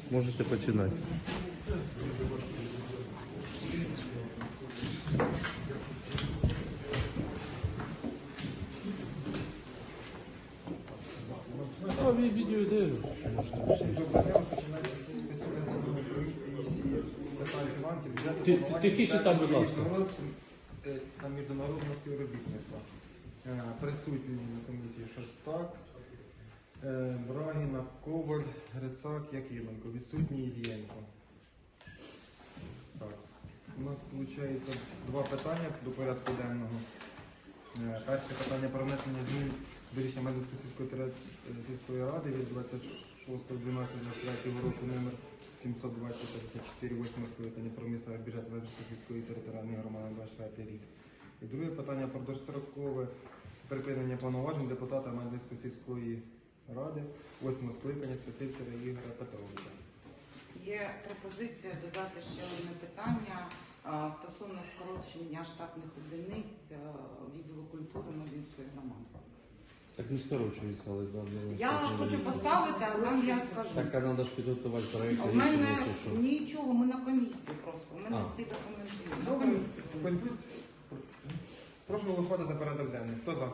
Можете починати. А відео йде. Тихіше там, будь ласка. На міжнародне співробітництво. Присутні на комісії Шостак, Брагіна, Коваль, Грицак, Якименко. Відсутній Ільєнко. Так. У нас виходить два питання до порядку денного. Перше питання про внесення змін до рішення Медведської сільської ради від 26.12.23 року номер 720-34 8 скликання про місцевий бюджет Медведської сільської територіальної громади на 24 рік. І друге питання про дострокове припинення повноважень депутата Медведської сільської ради 8 скликання Стасівцева Ігоря Петровича. Є пропозиція додати ще одне питання стосовно скорочення штатних одиниць відділу культури Медведської громади. Так не скорочується, але Я хочу поставити, а вам я скажу. Так, а треба ж підготувати проєкт. У мене нічого, ми на комісії просто. У мене всі документи є. До комісії. Прошу голосувати за порядок денний. Хто за?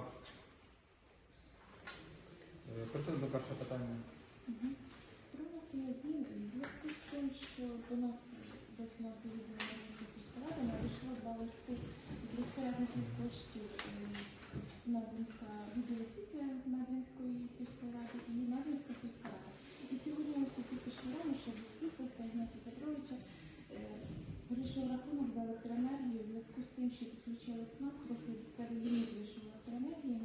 Переходимо до першого питання. Про внесення змін у зв'язку з тим, що до нас до фінансової відділу сільської ради надійшло два листи від розпорядників коштів Медвинська відділ освіти Медвинської сільської ради і Медвинська сільська рада. І сьогодні ось тільки що рано, що листа Ігнатія Петровича вирішив рахунок за електроенергію в зв'язку з тим, що підключили ЦНАП, трохи переліміт вийшов електроенергії,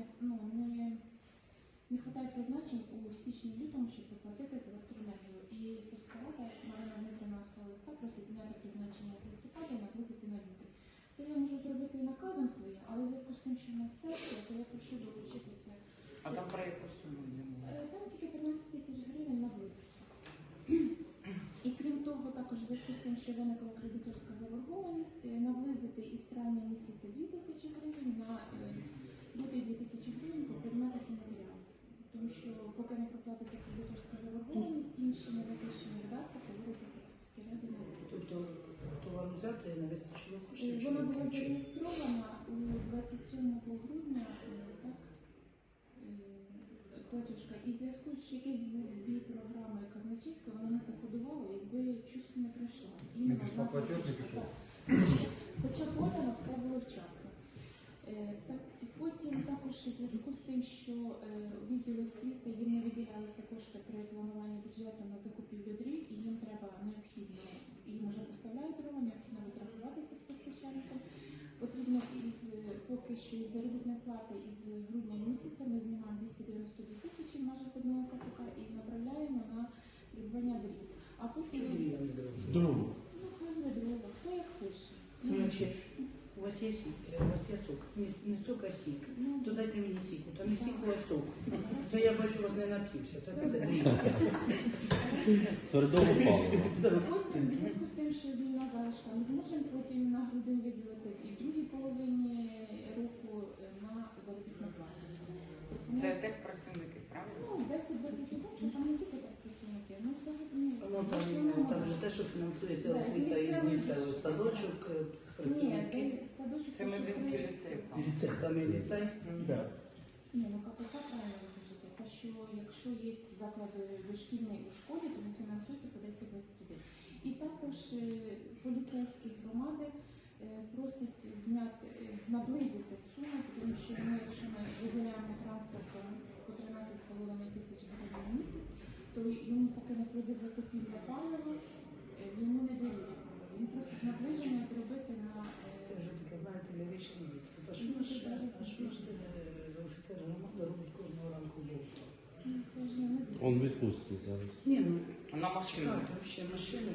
не вистачає призначень у січні-лютому, щоб заплатити за електроенергію. І сільська рада Марина Дмитрівна написала листа, просить зняти призначення з листопада і наблизити на лютий. Це я можу зробити і наказом своїм, але в зв'язку з тим, що в нас сесія, то я прошу долучити це. А там про яку суму йдемо? Там тільки 15 тисяч гривень наблизиться. І крім того, також в зв'язку з тим, що виникла кредиторська заборгованість, наблизити із травня місяця 2 тисячі гривень на лютий 2 тисячі гривень по предметах і матеріалах. Тому що поки не проплатиться кредиторська заборгованість, інші незахищені видатки поводитися в сільській раді не будуть. Тобто товар взяти і не вистачило коштів? Вона була зареєстрована у 27 грудня, так, платіжка. І в зв'язку з що якийсь був збій програми казначейської, вона не закодувала, якби щось не пройшла. Не пішла платіж, не пішов? Хоча подано все було вчасно. Так, і потім також у зв'язку з тим, що відділу освіти їм не виділялися кошти при плануванні бюджету на закупівлю дрів, і їм треба необхідно, їм вже поставляють дрова, необхідно відрахуватися з постачальником. Потрібно поки що із заробітної плати із грудня місяця ми знімаємо 292 тисячі в межах одного КПК і направляємо на придбання дрів. А потім... Чому я не дрова? Другу. Ну, хай не дрова, хто як пише. Значить, у вас є сік, у вас є сок. Не сок, а сік. То дайте мені сіку. Там не сіку, а сок. То я бачу, у вас не нап'юся. Так це дріб. Твердого палива. Потім, в зв'язку з тим, що зміна залишка, ми зможемо потім на грудень виділити і в другій половині року на заробітну плату. Це техпрацівники, правильно? Ну, 10-20 років, там не тільки техпрацівники. Ну, взагалі, Ну, там же те, що фінансується освіта із місцевого садочок, Ні, працівники. садочок... Це Медведський ліцей. Саме ліцей. Ні, ну КПК правильно кажете. Те, що якщо є заклади дошкільні у школі, то вони фінансуються по 10-21. І також поліцейські громади просять зняти, наблизити суму, тому що ми, якщо ми виділяємо трансфертом по 13,5 тисяч гривень в місяць, то йому поки не пройде закупівля палива, йому не дають. Він просить наближення зробити на... Це вже таке, знаєте, ліричний відступ. А що ж офіцер громади робить кожного ранку вбивство? Це ж я не знаю. Он відпустить зараз. Ні, ну, На машину. чекайте, взагалі машини.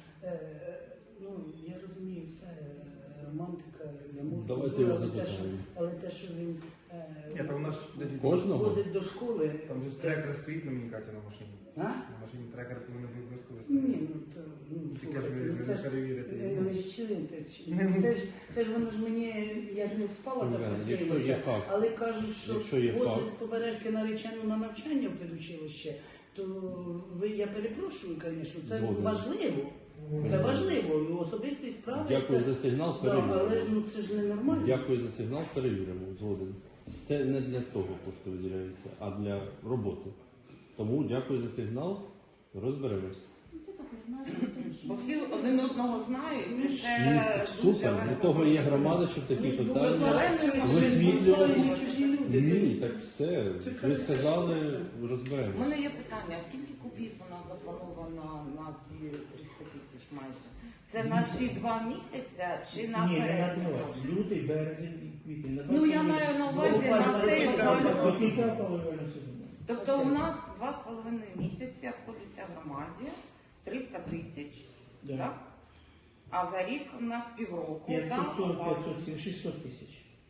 Ну, я розумію, це романтика, я можу Давайте його дозволити, запитаємо. але те, що він Ні, там у нас десь Кожного? возить до школи. Там же трекер стоїть на комунікації на машині. А? На машині трекер повинен бути обов'язково Ні, стояти. ну то Тільки ж слухайте, ви ну, це не ж перевірите. ви ж чуєте, це ж воно ж мені, я ж не спала так Якщо є приснилося, факт. але кажуть, що Якщо є возять факт. з побережки наречену на навчання в педучилище, то я перепрошую, звісно, це Згоден. важливо. Це важливо, і особисті справи. Дякую це... за сигнал, Да, але ж перевіримо. ну, це ж ненормально. Дякую за сигнал, перевіримо. Згоден. Це не для того кошти виділяються, а для роботи. Тому дякую за сигнал, розберемось. Ну, це також майже тому, що Бо всі один одного знають, і це Ні, дуже супер, для того є громада, щоб такі питання беззаленими висвітлювати. не чужі люди. Ні, так все. Ви сказали, У розберемо. мене є питання, скільки кубів у нас заплановано на ці 300 тисяч майже? Це на ці 2 місяці чи Ні, не наперед? наперед. Лютий, березень і квітень. Ну я маю на увазі на цей До кінця опалювального сезону. Тобто у нас 2,5 місяці обходиться громаді 300 тисяч, Да. так? А за рік у нас півроку. 540, так? 570, 600 тисяч.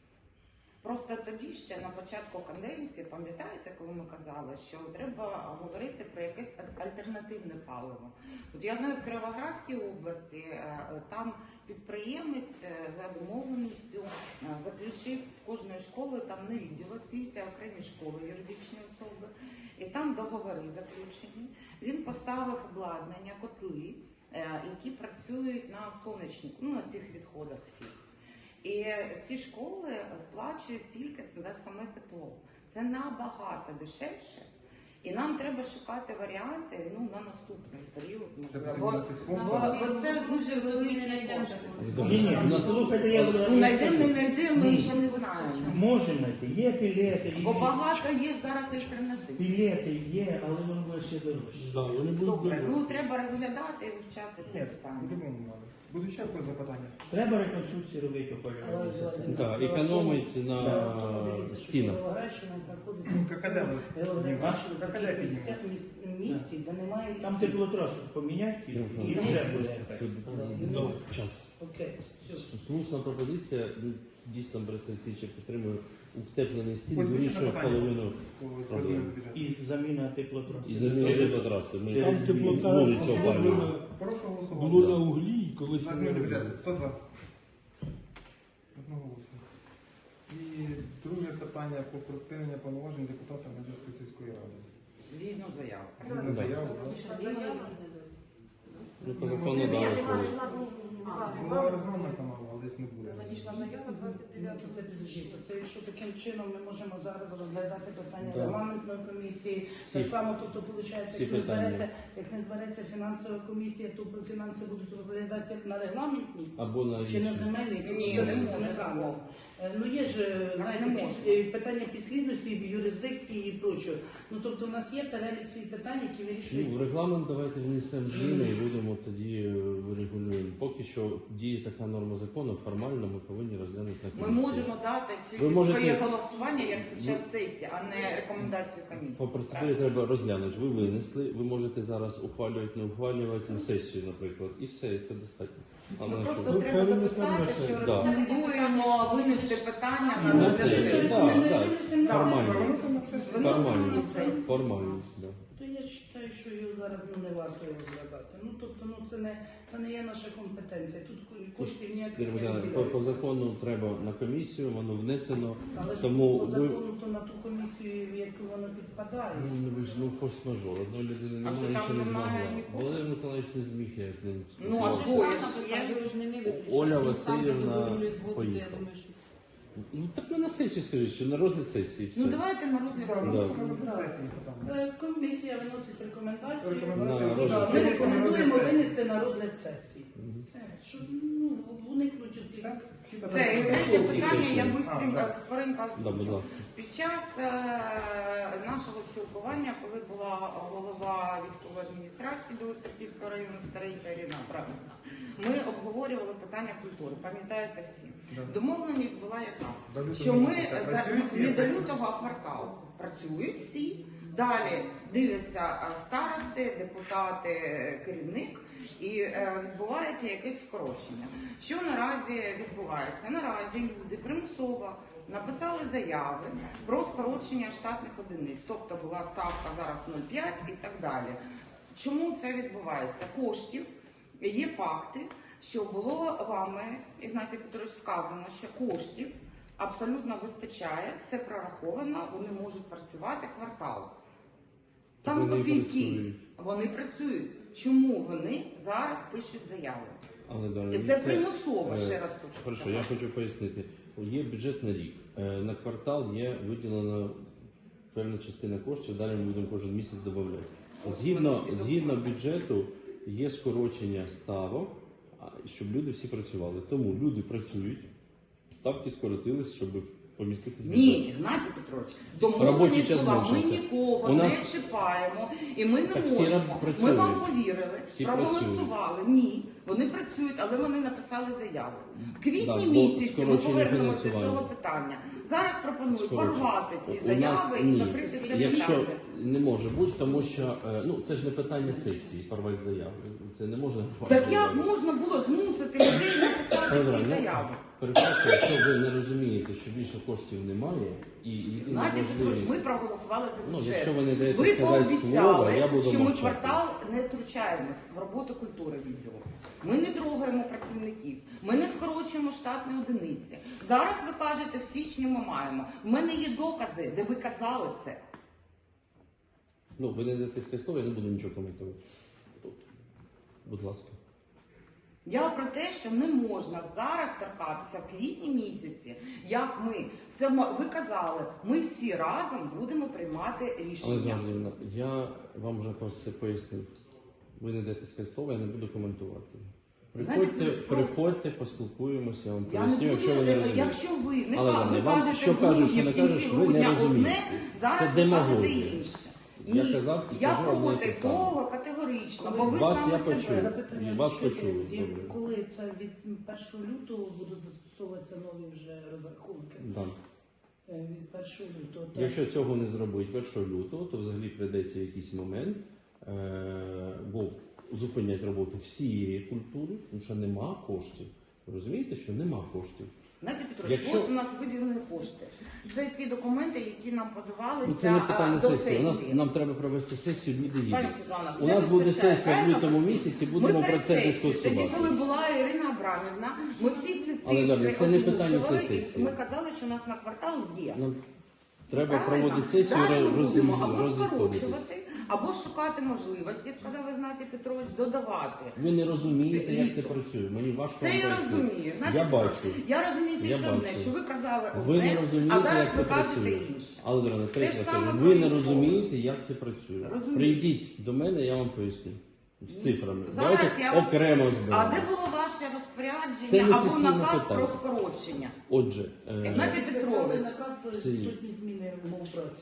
Просто тоді ще на початку каденції, пам'ятаєте, коли ми казали, що треба говорити про якесь альтернативне паливо. От я знаю, в Кіровоградській області там підприємець за домовленістю заключив з кожної школи, там не відділ освіти, а окремі школи, юридичні особи. І там договори заключені. Він поставив обладнання, котли, які працюють на сонячнику, ну на цих відходах всіх. І ці школи сплачують тільки за саме тепло. Це набагато дешевше. І нам треба шукати варіанти на наступний період. Це можливо. потрібно знайти спонсора. Бо це дуже великий кошт. Ні, У нас слухайте, я Ну, знайдемо, не знайдемо, ми Ні. ще не знаємо. Можемо знайти. Є пілети, Бо є. багато є зараз альтернатив. Пілети є, але воно буде ще дорожче. Да, вони будуть Добре, добре. ну треба розглядати і вивчати це Ні, питання. по-любому надо. Будуть ще якось запитання? Треба реконструкцію робити опалювальної системи. Так, економить на стінах. Кіровоградщина знаходиться Ну, какаде географічно в какаде таких місці, де немає Там лісів. теплотрасу поміняти і вже буде ефект. Ну, час. Окей, все. Слушна пропозиція, дійсно Бресенсіча підтримує утеплений стіль, Ось більше вирішує запитання? половину По зміну бюджету. І заміна теплотраси. і заміни траси. Ми Через вулицю опалюємо. Прошу Було голосувати. на углі, і колись За не зміну робили. бюджету. Хто за? Одноголосно. І друге питання про припинення повноважень депутата Медведської сільської ради. Згідно заяву. Згідно заяви, так? Ну, по закону дали школу. Була регламент каналу, але десь не буде. Надійшла заява 29 Це підождіть, то це що таким чином ми можемо зараз розглядати питання Да. регламентної комісії. Всі- Так само, тобто, виходить, всі якщо не питання. збереться, як не збереться фінансова комісія, то фінанси будуть розглядати на регламентній Або на чи на інші. земельній. Ні, Це не не може правильно. такого. Ну є ж, знаєте, не може. питання підслідності, юрисдикції і прочого. Ну тобто, у нас є перелік своїх питань, які Ну, вирішують. в регламент давайте внесемо зміни і будемо тоді врегулюємо. Поки що діє така норма закону, формально ми повинні розглянути на Ми комісії. можемо дати Ви тільки можете- своє голосування як під час сесії, а не рекомендацію комісії. По процедурі треба розглянути. Ви винесли, ви можете зараз ухвалювати, не ухвалювати на сесію, наприклад. І все, і це достатньо. А Ну, на просто що? треба дописати, що Да. рекомендуємо винести питання на На розгляд сесію, сесії. так, так. Винесемо на Формальність. Виносимо на Формальність. сесію. Формальність, да. То я вважаю, що його зараз не варто його розглядати. Ну тобто, це не є наша компетенція. Тут коштів ніяких Віримо, не по виділяється. закону треба на комісію, воно внесено. Але ж Тому по ви закону то на ту комісію, в яку воно підпадає. ви ж форс-мажор. Одної людини А що немає, там ще не немає змогла. нікого? Володимир Миколаївич не зміг, я з ним Ну, а спілкувався. що? Оля Васильівна поїхала. Ну так ви на сесію скажіть, що на розгляд сесії все. Ну давайте на розгляд Так, сесії. виносимо на сесію питання. Комісія виносить рекомендації. Рекомендації. На Да, розгляд. Ми рекомендуємо Розгляд сесії. винести на розгляд сесії. Все, щоб уникнути оцих. Все? Всі Це і питання? третє питання, я А, бистренько, так. скоренько Да, будь озвучу. ласка. Під час нашого спілкування, коли була голова військової адміністрації Білоцерківського району Старенька Ірина, правильно, ми обговорювали питання культури, пам'ятаєте всі. Да. Домовленість була яка? До лютого Що ми місяця працюють всі? не до лютого, а квартал. Працюють всі, далі дивляться старости, депутати, керівник, і відбувається якесь скорочення. Що наразі відбувається? Наразі люди примусово написали заяви про скорочення штатних одиниць, тобто була ставка зараз 0,5 і так далі. Чому це відбувається? Коштів, є факти, що було вами, Ігнатій Петрович, сказано, що коштів абсолютно вистачає, все прораховано, вони можуть працювати квартал. Там Вони копійки. працюють. Вони працюють. Чому вони зараз пишуть заяви? Але, Дар'я, І це примусово, ще раз хочу Хорошо, сказати. я хочу пояснити. Є бюджет на рік. На квартал є виділена певна частина коштів, далі ми будемо кожен місяць додавати. Згідно бюджету є скорочення ставок, щоб люди всі працювали. Тому люди працюють, ставки скоротились, щоб поміститися в бюджет. Ні, Геннадій Петрович, Робочий домовленість час була, ми зменшився. нікого У нас- не чіпаємо, і ми не Так всі можемо. Ми працюють. вам повірили, Всі проголосували. Ні, вони працюють, але вони написали заяву. В квітні Так, бо місяці ми скорочення повернемося до фінансування. цього питання. Зараз пропоную Скорочення. порвати ці У нас заяви і ні. закрити це Якщо питання. не може бути, тому що це ж не питання сесії, порвати заяви. Це не можна Так як можна було змусити людей написати Добре, ці ну, заяви? перепрошую, якщо ви не розумієте, що більше коштів немає, і єдина Геннадій Петрович, можливість... ми проголосували за Ну, бюджет. якщо ви не даєте Ви сказати слово, пообіцяли, я буду що ми мовчати. квартал не втручаємось в роботу культури відділу. Ми не трогаємо працівників, ми не скорочуємо штатні одиниці. Зараз ви кажете, в січні ми маємо. У мене є докази, де ви казали це. Ну, ви не даєте сказати слово, я не буду нічого коментувати. Будь ласка. Я про те, що не можна зараз торкатися в квітні місяці, як ми все ви казали, ми всі разом будемо приймати Але, рішення. Дар'я, я вам вже про це пояснив. Ви не даєте сказати слово, я не буду коментувати. Приходьте, поспілкуємося, я вам Я не поясню, якщо ви буду, не розумієте. якщо ви не Але, ви вам кажете що кажеш, що в не кінці кажеш, ви не грудня розумієте. одне, зараз Це ви кажете демагогія. інше. Я Ні, казав і я кажу одне і проти те саме. того категорично, бо ви Вас саме я себе. почув. Запитання, Вас що почули, це, добре. коли це від 1 лютого будуть застосовуватися нові вже розрахунки? Да. Від 1 лютого. так. Якщо цього не зробити 1 лютого, то взагалі прийдеться якийсь момент, бо зупинять роботу всієї культури, тому що нема коштів. Ви розумієте, що нема коштів? Геннадій Петрович, Якщо- ось у нас виділені кошти. Це ці документи, які нам подавалися Ну, це не питання до сесії. сесії. Нам треба провести сесію, люди Пані їдуть. Світлана, У все нас буде вистачає, сесія в правильно, лютому всі? місяці, Ми будемо про перед це сесією, дискусувати. Тоді, коли була Ірина Абрамівна, ми всі ці Але, цифри Дар'я, це не питання озвучували, цієї і сесії. ми казали, що у нас на квартал є. Нам треба Правильно? проводити сесію, Далі ми будемо або розіходитись. скорочувати, або шукати можливості, сказав Ігнатій Петрович, додавати. Ви не розумієте, як це працює. Мені важко Це вам я пояснити. розумію. Геннадій Я Петрович, бачу. Я розумію Я тільки одне, бачу. що ви казали Ви одне, не розумієте, а зараз як ви це кажете працює. інше. Але, Дорога, Те третє ж раз саме кажу, про ви не військових. розумієте, як це працює. Розумію. Прийдіть до мене, я вам поясню. З цифрами. Зараз Давайте я вас- окремо А зберемо. де було ваше Це розпорядження не або сесійне наказ питання. про скорочення? Отже, Геннадій Петрович. наказ про Це є. істотні зміни умов праці.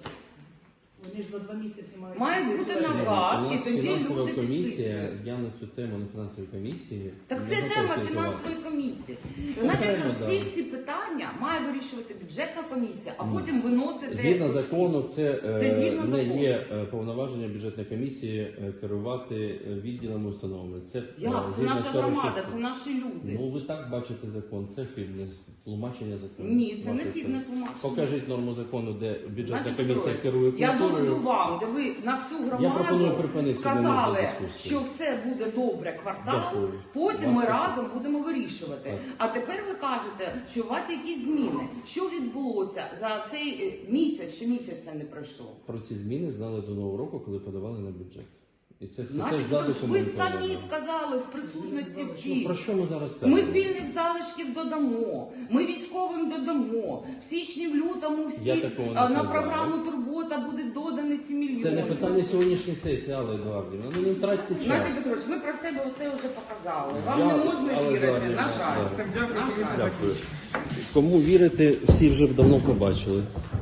Вони ж за 2 місяці мають Має бути затверджені. наказ. у і нас тоді фінансова люди комісія, підписують. я на цю тему на фінансовій комісії. Так не це готовий тема спілкуватися. фінансової комісії. Знаєте, Окремо, всі да. ці питання має вирішувати бюджетна комісія, а потім виносити. Згідно усі. закону, це згідно не закону. є повноваження бюджетної комісії керувати відділами установами. Це Як? Це згідно наша 46. громада, це наші люди. Ну ви так бачите закон, це хибне тлумачення закону. Ні, це не Вашої хибне сторони. тлумачення. Покажіть норму закону, де бюджетна Геннадій комісія Петрович, керує Я доведу культурою. вам, де ви на всю Я пропоную громаду припинити сказали, сьогоднішню дискусію. що все буде добре квартал, Дякую. потім ми Вас разом будемо вирішувати. Так. А тепер ви кажете, що у вас якісь зміни. Що відбулося за цей місяць, чи місяця не пройшов? Про ці зміни знали до Нового року, коли подавали на бюджет. І це все Значить, теж ви задокументовано. самі сказали в присутності Ну, всіх. про що ми зараз кажемо? Ми з вільних залишків додамо, ми військовим додамо. В січні, в лютому Я всі такого не на казав. програму Турбота буде додані ці мільйони. Це не питання сьогоднішньої сесії, Алла Едуардівна. Ну не втратьте час. Геннадій Петрович, ви про себе все вже показали. Вам Я- не можна але вірити, зараз, на жаль. да. Все, дякую, На комісія жаль. Дякую. Кому вірити, всі вже давно побачили.